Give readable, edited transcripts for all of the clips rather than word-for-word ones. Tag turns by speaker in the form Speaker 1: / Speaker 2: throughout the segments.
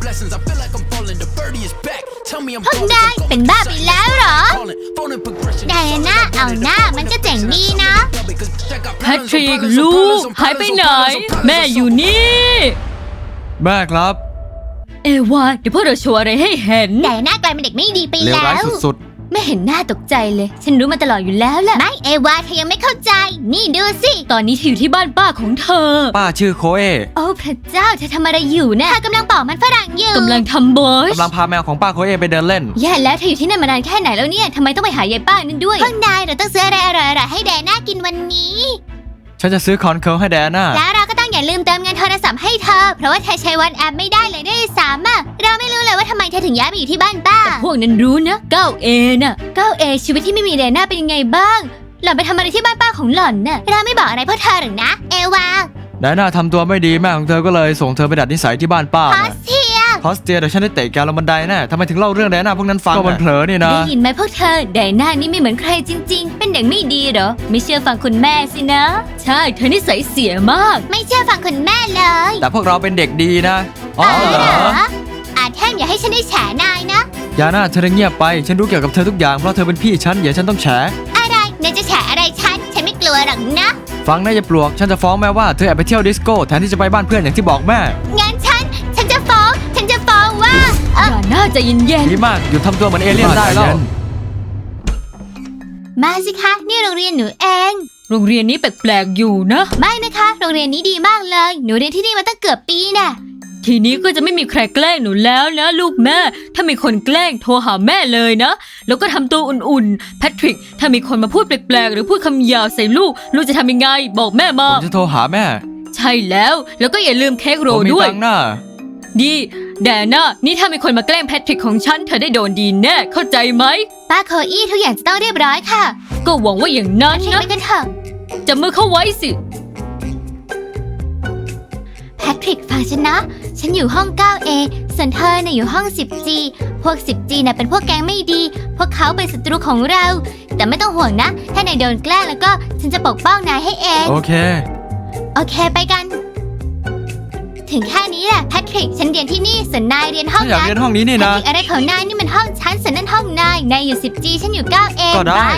Speaker 1: พวกนายเป็นบ้าไปแล้วเหรอไดอาน่าเอาหน้ามันก็เจ๋งดีนะ
Speaker 2: แพทริกลูกหายไปไหนแม่อยู่นี่
Speaker 3: แม่ครับ
Speaker 2: เอวาเดี๋ยวพวกเราโชว์อะไรให้เห็น
Speaker 1: ไดอาน่ากลายเป็นเด็กไม่ดีไป
Speaker 3: เลว
Speaker 1: แล้
Speaker 3: ร้ายว สุด
Speaker 2: ไม่เห็นหน้าตกใจเลยฉันรู้มาตลอดอยู่แล้วแหละ
Speaker 1: ไม่เอวาเธอยังไม่เข้าใจนี่ดูสิ
Speaker 2: ตอนนี้เธออยู่ที่บ้านป้าของเธอ
Speaker 3: ป้าชื่อโคเอ
Speaker 1: โอ้พระเจ้าเธอทำอะไรอยู่นะเธอกำลังปอกมันฝรั่งอยู่
Speaker 2: กำลังทำบอส
Speaker 3: กำลังพาแมวของป้าโคเอไปเดินเล่น
Speaker 2: แย่แล้วเธออยู่ที่นั่นมานานแค่ไหนแล้วเนี่ยทำไมต้องไปหายายป้านั่นด้วย
Speaker 1: พวกนายเราต้องซื้ออะไรอร่อยๆให้ไดอาน่ากินวันนี้
Speaker 3: ฉันจะซื้อคอนเคิลให้แดน่า
Speaker 1: แล้วเราก็ต้องอย่าลืมเติมเงินโทรศัพท์ให้เธอเพราะว่าเธอใช้วันแอปไม่ได้เลยด้วยซ้ำอะเราไม่รู้เลยว่าทำไมเธอถึงย้ายไปอยู่ที่บ้านป้า
Speaker 2: แต่พวกนั้นรู้นะ 9A น่ะ 9A ชีวิตที่ไม่มีไดอาน่าเป็นยังไงบ้างหล่อนไปทำอะไรที่บ้านป้าของหล่อนน่ะ
Speaker 1: เราไม่บอกอะไรพวกเธอหรอกนะเอวา
Speaker 3: แดน่าทำตัวไม่ดีแม่ของเธอก็เลยส่งเธอไปดัดนิสัยที่บ้านป้า
Speaker 1: พอสเทีย
Speaker 3: เดี๋ยวฉันได้เตะแกลงบันไดแน่ทำไมถึงเล่าเรื่องแดน่าพวกนั้นฟังก็มันเผลอนี่นะ
Speaker 2: ได้ยินไหมพวกเธอไดอาน่านี่ไม่เหมือนใครจริงๆเป็นเด็กไม่ดีเหรอไม่เชื่อฟังคุณแม่สินะใช่เธอนิสัยเสียมาก
Speaker 1: ไม่เชื่อฟังคุณแม่เลย
Speaker 3: แต่พวกเราเป็นเด็กดีนะ
Speaker 1: เหรอแท่งอย่าให้ฉันได้แฉนายนะ
Speaker 3: ยาน่าเธอเงียบไปฉันรู้เกี่ยวกับเธอทุกอย่างเพราะเธอเป็นพี่ฉันอย่าฉันต้องแฉ
Speaker 1: อะไรนายจะแฉอะไรฉันไม่กลัวหรอกนะ
Speaker 3: ฟังนะอย่าปลวกฉันจะฟ้องแม่ว่าเธอแอบไปเที่ยวดิสโก้แทนที่จะไปบ้านเพื่อนอย่างที่บอกแม่
Speaker 1: งั้นฉันจะฟ้องว่า
Speaker 2: อย่าน่าจะเย็น
Speaker 3: ดีมากหยุดทำตัวเหมือนเอเลี่ยนได้แล้ว
Speaker 1: มาสิคะนี่โรงเรียนหนูเอง
Speaker 2: โรงเรียนนี้แปลกๆอยู่นะ
Speaker 1: ไม่นะคะโรงเรียนนี้ดีมากเลยหนูเรียนที่นี่มาตั้งเกือบปีน่ะ
Speaker 2: ทีนี้ก็จะไม่มีใครแกล้งหนูแล้วนะลูกแม่ถ้ามีคนแกล้งโทรหาแม่เลยนะแล้วก็ทำตัวอุ่นๆแพทริกถ้ามีคนมาพูดแปลกๆหรือพูดคำหยาบใส่ลูกจะทำยังไงบอกแม่มา
Speaker 3: ผมจะโทรหาแม่
Speaker 2: ใช่แล้วก็อย่าลืมเค้กโรลด้วยดีแดน่านี่ถ้ามีคนมาแกล้งแพทริกของฉันเธอได้โดนดีแน่เข้าใจไหม
Speaker 1: ป้าโคอี้ทุกอย่างจะต้องเรียบร้อยค่ะ
Speaker 2: ก็หวังว่าอย่างนั้นนะ
Speaker 1: ไปกันเถอะ
Speaker 2: จับมือเข้าไว้สิ
Speaker 1: แพทริกฟังฉันนะฉันอยู่ห้อง 9A ส่วนเธอน่ะอยู่ห้อง 10G พวก 10G น่ะเป็นพวกแก๊งไม่ดีพวกเขาเป็นศัตรูของเราแต่ไม่ต้องห่วงนะถ้านายโดนแกล้งแล้วก็ฉันจะปกป้องนายให้เอง
Speaker 3: โอเค
Speaker 1: ไปกันถึงแค่นี้แหละแพทริกฉันเรียนที่นี่ส่วนนายเรียนห้องนั้น
Speaker 3: อยากเรียนห้องนี้นี่นะ
Speaker 1: อะไรของนายนี่มันห้องฉันส่วนนั่นห้องนายอยู่ 10G ฉันอยู่ 9A
Speaker 3: ก็ได้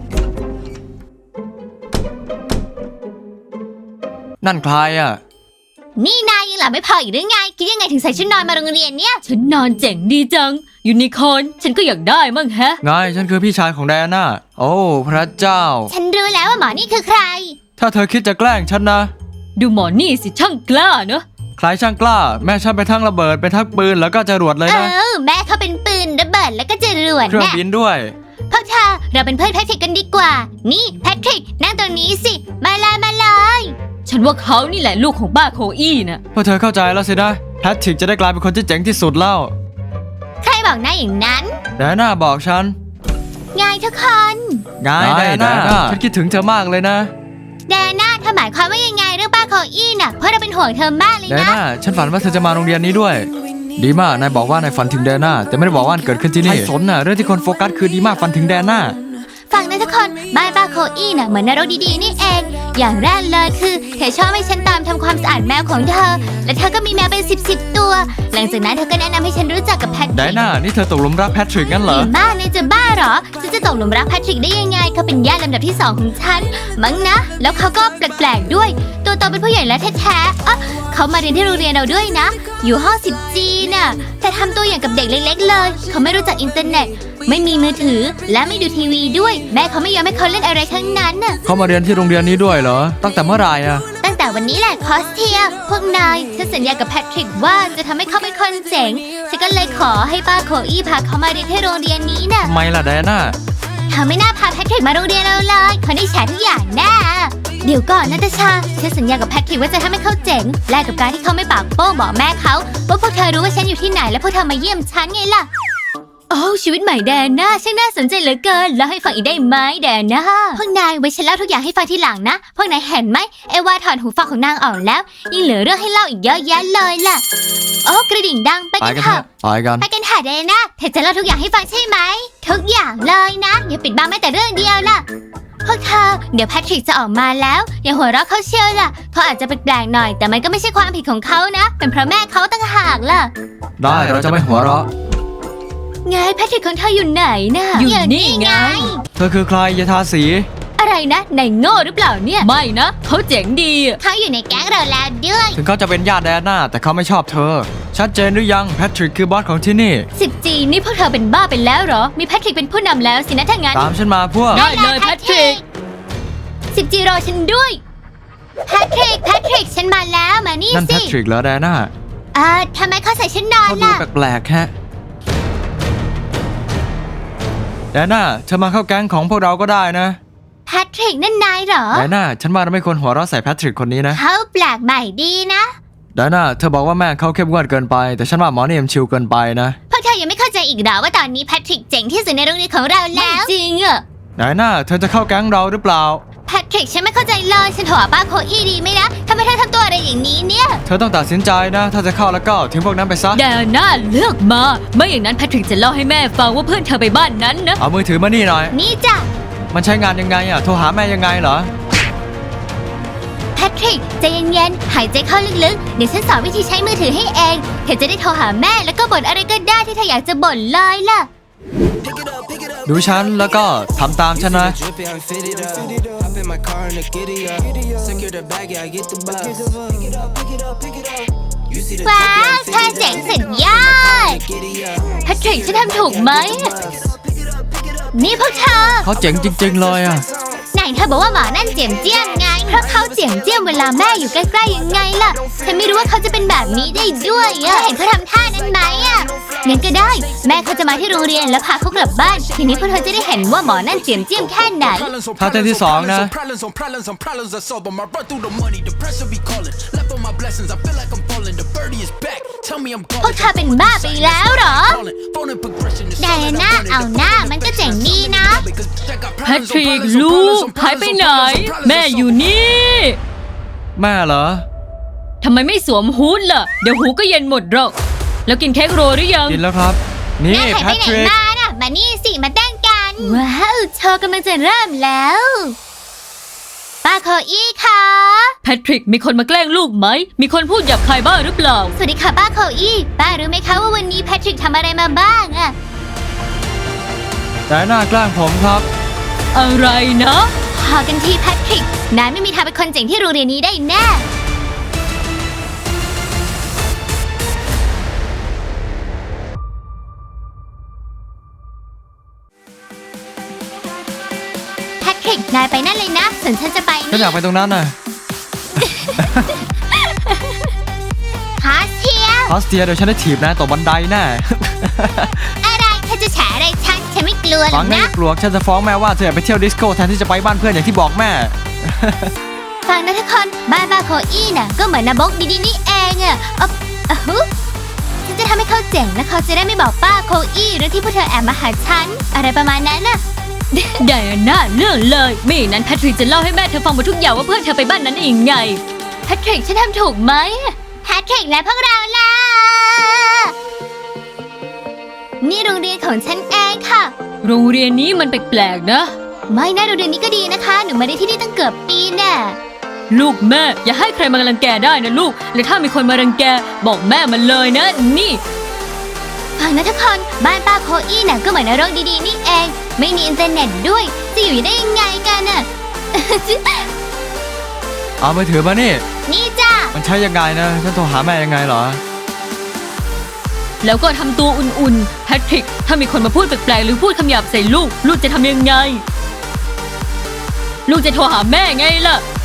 Speaker 3: นั่นใครอ่ะ
Speaker 1: นี่นายยังหลับไม่พออีกหรือไงคิดยังไงถึงใส่ชุดนอนมาโรงเรียนเนี่ย
Speaker 2: ชุดนอนเจ๋งดีจังยูนิคอร์นฉันก็อยากได้มั่งแฮะ
Speaker 3: ไงฉันคือพี่ชายของไดอาน่าโอ้พระเจ้า
Speaker 1: ฉันรู้แล้วว่าหมอนี่คือใคร
Speaker 3: ถ้าเธอคิดจะแกล้งฉันนะ
Speaker 2: ดูหมอนี่สิช่างกล้าเนอะ
Speaker 3: ใครช่างกล้าแม่ฉันไปทั้งระเบิดไปทั้งปืนแล้วก็จรวดเลยนะ
Speaker 1: แม่เขาเป็นปืนระเบิดแล้วก็จรวด
Speaker 3: เครื่องบินด้วย
Speaker 1: พวกเธอเราเป็นเพื่อนแพทริกกันดีกว่านี่แพทริกนั่งตรงนี้สิมาเลย
Speaker 2: ฉันว่าเขานี่แหละลูกของป้าโคอี้น่ะ
Speaker 3: พอเธอเข้าใจแล้วสินะแพทริกจะได้กลายเป็นคนที่เจ๋งที่สุดแล้ว
Speaker 1: ใครบอกนายอย่างนั้น
Speaker 3: ไดอาน่าบอกฉัน
Speaker 1: ไงทุกคน
Speaker 3: ไงไดอาน่าฉันคิดถึงเธอมากเลยนะ
Speaker 1: ไดอาน่าเธอหมายความว่ายังไงเรื่องป้าโคอี้น่ะเพราะเราเป็นห่วงเธอมากเลยนะ
Speaker 3: ไดอาน่าฉันฝันว่าเธอจะมาโรงเรียนนี้ด้วยดีมากนายบอกว่านายฝันถึงไดอาน่าแต่ไม่ได้บอกว่าเกิดขึ้นที่นี่สนน่ะเรื่องที่คนโฟกัสคือดีมากฝันถึงไดอาน่า
Speaker 1: ฟังนะทุกคนบ้านป้าโคอี้น่ะเหมือนนรกดีๆนี่เองอย่างแรกเลยคือเธอชอบให้ฉันตามทำความสะอาดแมวของเธอและเธอก็มีแมวเป็น10ตัวหลังจากนั้นเธอก็แนะนำให้ฉันรู้จักกับแพทริก
Speaker 3: ไดอาน่านี่เธอตกหลุมรักแพทริกงั้นเหรอ
Speaker 1: บ้าเนี่ยจะบ้าเหรอฉันจะตกหลุมรักแพทริกได้ยังไงเขาเป็นญาติลำดับที่2ของฉันมั้งนะแล้วเขาก็แปลกๆด้วยตัวโตเป็นผู้ใหญ่แล้วแท้ๆเขามาเรียนที่โรงเรียนเราด้วยนะอยู่ห้อง 10G น่ะแต่ทำตัวอย่างกับเด็กเล็กๆเลยเขาไม่รู้จักอินเทอร์เน็ตไม่มีมือถือและไม่ดูทีวีด้วยแม่เขาไม่ยอมให้เขาเล่นอะไรทั้งนั้นน่ะ
Speaker 3: เขามาเรียนที่โรงเรียนนี้ด้วยเหรอตั้งแต่เมื่อไหร่อะ
Speaker 1: ตั้งแต่วันนี้แหละคอสเทียพวกนายฉันสัญญากับแพทริกว่าจะทำให้เขาเป็นคนเจ๋งฉันก็เลยขอให้ป้าโคอี้พาเขามาเรียนที่โรงเรียนนี้น่ะ
Speaker 3: ทำไมล่ะไดอาน่า
Speaker 1: เธอไม่น่าพาแพทริกมาโรงเรียนเราเลยเขาได้แชร์ทุกอย่างแน่เดี๋ยวก่อนนาตาชาฉันสัญญากับแพทริกว่าจะทำให้เขาเจ๋งแลกกับการที่เขาไม่ปากโป้งบอกแม่เขาว่าพวกเธอรู้ว่าฉันอยู่ที่ไหนและพวกเธอมาเยี่ยมฉันไงล่ะ
Speaker 2: โอ้ชีวิตใหม่แดน่าช่างน่าสนใจเหลือเกินเล่าให้ฟังอีกได้ไหมแดน่า
Speaker 1: พวกนายไว้ฉันเล่าทุกอย่างให้ฟังทีหลังนะพวกนายเห็นไหมเอวาถอนหูฟังของนางออกแล้วยังเหลือเรื่องให้เล่าอีกเยอะแยะเลยล่ะโอ้กระดิ่งดังไปกันเถอะ
Speaker 3: ไปกัน
Speaker 1: เถอะแดน่าเธอจะเล่าทุกอย่างให้ฟังใช่ไหมทุกอย่างเลยนะอย่าปิดบังแม้แต่เรื่องเดียวล่ะพวกเธอเดี๋ยวแพทริกจะออกมาแล้ว อย่าหัวเราะเขาเชียวล่ะเขาอาจจะแปลกๆหน่อย แต่มันก็ไม่ใช่ความผิดของเขานะ เป็นเพราะแม่เขาต่างหากล่ะ
Speaker 3: ได้เราจะไม่หัวเราะ
Speaker 1: ไงแพทริกของเธออยู่ไหนน่ะ
Speaker 2: อยู่นี่ไง
Speaker 3: เธอคือใครยาทาสี
Speaker 1: อะไรนะนายโง่หรือเปล่าเนี่ย
Speaker 2: ไม่นะเขาเจ๋งดีอะ
Speaker 1: เขาอยู่ในแก๊งเราแล้วด้วย
Speaker 3: ถึงเขาจะเป็นญาติแดน่าแต่เขาไม่ชอบเธอ ชัดเจนหรือยังแพทริกคือบอสของที่นี่
Speaker 1: 10G นี่พวกเธอเป็นบ้าไปแล้วเหรอ มีแพทริกเป็นผู้นำแล้วสินะถ้างั้น
Speaker 3: ตามฉันมาพวก
Speaker 2: ได้เลยแพทริก
Speaker 1: 10G รอฉันด้วยแพทริกฉันมาแล้วมานี่
Speaker 3: นั่นแพ
Speaker 1: สิ
Speaker 3: ทริกเหรอแดน่า
Speaker 1: ทำไมเขาใส่ชุดนอน
Speaker 3: เขาดู
Speaker 1: ล่ะ
Speaker 3: แปลกๆแฮะแดน่าเธอมาเข้าแก๊งของพวกเราก็ได้นะ
Speaker 1: แพทริกนั่นนายเหรอ
Speaker 3: แดน่าฉันว่าเราไม่ควรหัวเราะใส่แพทริกคนนี้นะ
Speaker 1: เขาแปลกใหม่ดีนะ
Speaker 3: แดน่าเธอบอกว่าแม่เขาเข้มงวดเกินไป แต่ฉันว่าหมอนี่มันชิลเกินไปนะ
Speaker 1: พวกเธอยังไม่เข้าใจอีกเหรอว่าตอนนี้แพทริกเจ๋งที่สุดในโรงเรียนของเราแล้ว
Speaker 2: จริงอะ
Speaker 3: แดน่าเธอจะเข้าแก๊งเราหรือเปล่า
Speaker 1: แพทริกฉันไม่เข้าใจเลยฉันโทรหาป้าโคอี้ดีไหมนะทำไมเธอทำตัวอะไรอย่างนี้เนี่ย
Speaker 3: เธอต้องตัดสินใจนะ ถ้าจะเข้าแล้วก็ทิ้งพวกนั้นไปซะ
Speaker 2: แดน่าเลือกมาไม่อย่างนั้นแพทริกจะเล่าให้แม่ฟังว่าเพื่อนเธอไปบ้านนั้นนะ
Speaker 3: เอามือถือมานี่หน่อย
Speaker 1: นี่จ้ะ
Speaker 3: มันใช้งานยังไงอ่ะ โทรหาแม่ยังไงเหรอ
Speaker 1: แพทริกใจเย็นๆหายใจเข้าลึกๆเดี๋ยวฉันสอนวิธีใช้มือถือให้เองเธอจะได้โทรหาแม่แล้วก็บ่นอะไรก็ได้ที่เธออยากจะบ่นเลยล่ะ
Speaker 3: ดูฉันแล้วก็ทำตามฉันนะ
Speaker 4: Drippy, I'm fitted up. Hop in my car and a giddy up. Secure the bag, yeah, I get the bus. You see the
Speaker 1: ว้า
Speaker 4: drippy,
Speaker 1: ว
Speaker 4: I'm
Speaker 1: เธอ
Speaker 4: fitted
Speaker 1: เจ๋ง
Speaker 4: up.
Speaker 1: สุดยอด
Speaker 4: Giddy up.
Speaker 1: แพทริกฉันทำถูกไหม นี่พวกเธอ
Speaker 3: เขาเจ๋งจริงๆเลยอ่ะ
Speaker 1: ไหนเธอบอกว่าหมานั่นเจียมเจียมไง เพราะเขาเจียมเจียมเวลาแม่อยู่ใกล้ๆยังไงล่ะ ฉันไม่รู้ว่าเขาจะเป็นแบบนี้ได้ด้วยอะเห็นเขาทำท่านั้นไหมอะงั้นก็ได้ แม่เขาจะมาที่โรงเรียนแล้วพาเขากลับบ้าน ทีนี้พวกเธอจะได้เห็นว่าหมอนั่นเจียมเจียมแค่ไหน
Speaker 3: ท่าเต้นที่สองนะ
Speaker 4: Problems on problems I solve them. I run through the money, the pressure be calling. Left on my blessings, I feel like I'm falling. The birdie is back. Tell me I'm
Speaker 1: พวกเธอเป็นบ้าไปแล้วเหรอ
Speaker 4: calling. Phone in progression is
Speaker 1: ไดอาน่าเอาหน้ามันก็เจ๋งดีนะ
Speaker 2: แพทริกลูกหายไปไหน แม่อยู่นี่
Speaker 3: แม่เหรอ
Speaker 2: ทำไมไม่สวมฮูดล่ะ เดี๋ยวหูก็เย็นหมดหรอก แล้วกินเค้กโรลหรือยัง
Speaker 3: กินแล้วครับ นี่
Speaker 1: แม่หาย
Speaker 3: แพ
Speaker 1: ไปไหน
Speaker 3: ทริก
Speaker 1: มาน่ะ มานี่สิ มาเต้นกัน ว้าวโชว์กำลังจะเริ่มแล้ว ป้าโคอี้ค่ะ
Speaker 2: แพทริกมีคนมาแกล้งลูกไหม มีคนพูดหยาบคายบ้างหรือเปล่า
Speaker 1: สวัสดีค่ะป้าโคอี้ ป้ารู้ไหมคะว่าวันนี้แพทริกทำอะไรมาบ้างอะ
Speaker 3: แดน่าแกล้งผมครับ
Speaker 2: อะไรนะ
Speaker 1: พอกันทีแพทริก นายไม่มีทางเป็นคนเจ๋งที่โรงเรียนนี้ได้แน่ แพทริก นายไปนั่นเลยนะ ส่วนฉันจะไป
Speaker 3: ฉัน
Speaker 1: นี่
Speaker 3: อยากไปตรงนั้นน่ะ
Speaker 1: ฮาเทีย
Speaker 3: พาสเตียเดี๋ยวฉันได้ถีบนะตกบันไดแน่
Speaker 1: อะไรเธอจะแฉอะไรฉันไม่กลัวหร
Speaker 3: ฟั
Speaker 1: อง ก
Speaker 3: ไม่
Speaker 1: นะ
Speaker 3: กลัวฉันจะฟ้องแม่ว่าเธออยากไปเที่ยวดิสโก้แทนที่จะไปบ้านเพื่อนอย่างที่บอกแม่
Speaker 1: ฟังนะทุกคนบ้านป้าโคอี้น่ะก็เหมือนนาบกดีๆนี่เองอะอะฮึฉันจะทำให้เขาเจ๋งและเขาจะได้ไม่บอกป้าโคอี้เรื่องที่พวกเธอแอบมาหาฉัน อะไรประมาณนั้นน่ะ
Speaker 2: ไดอาน่าเรื่องเลยไม่อย่างนั้นแพทริกจะเล่าให้แม่เธอฟังหมดทุกอย่างว่าเพื่อนเธอไปบ้านนั้นได้ยังไง
Speaker 1: แพทริกฉันทำถูกไหมแพทริกและพวกเราล่ะ นี่โรงเรียนของฉันเองค่ะ
Speaker 2: โรงเรียนนี้มันแปลกๆนะ
Speaker 1: ไม่นะโรงเรียนนี้ก็ดีนะคะ หนูมาได้ที่นี่ตั้งเกือบปีแน่
Speaker 2: ลูกแม่อย่าให้ใครมารังแกได้นะลูก และถ้ามีคนมารังแกบอกแม่มันเลยนะ นี่
Speaker 1: ฟังนะทุกคนบ้านป้าโคอี้น่ะก็เหมือนนรกดีๆนี่เอง ไม่มีอินเทอร์เน็ตด้วย จะอยู่ได้ยังไงกันน่ะ
Speaker 3: เอามือถือมานี่
Speaker 1: นี่จ้า
Speaker 3: มันใช้ยังไงนะ ฉันโทรหาแม่ยังไงเหรอ
Speaker 2: แล้วก็ทำตัวอุ่นๆแพทริกถ้ามีคนมาพูดแปลกๆหรือพูดคำหยาบใส่ลูกจะทำยังไง ลูกจะโทรหาแม่ไงล่ะ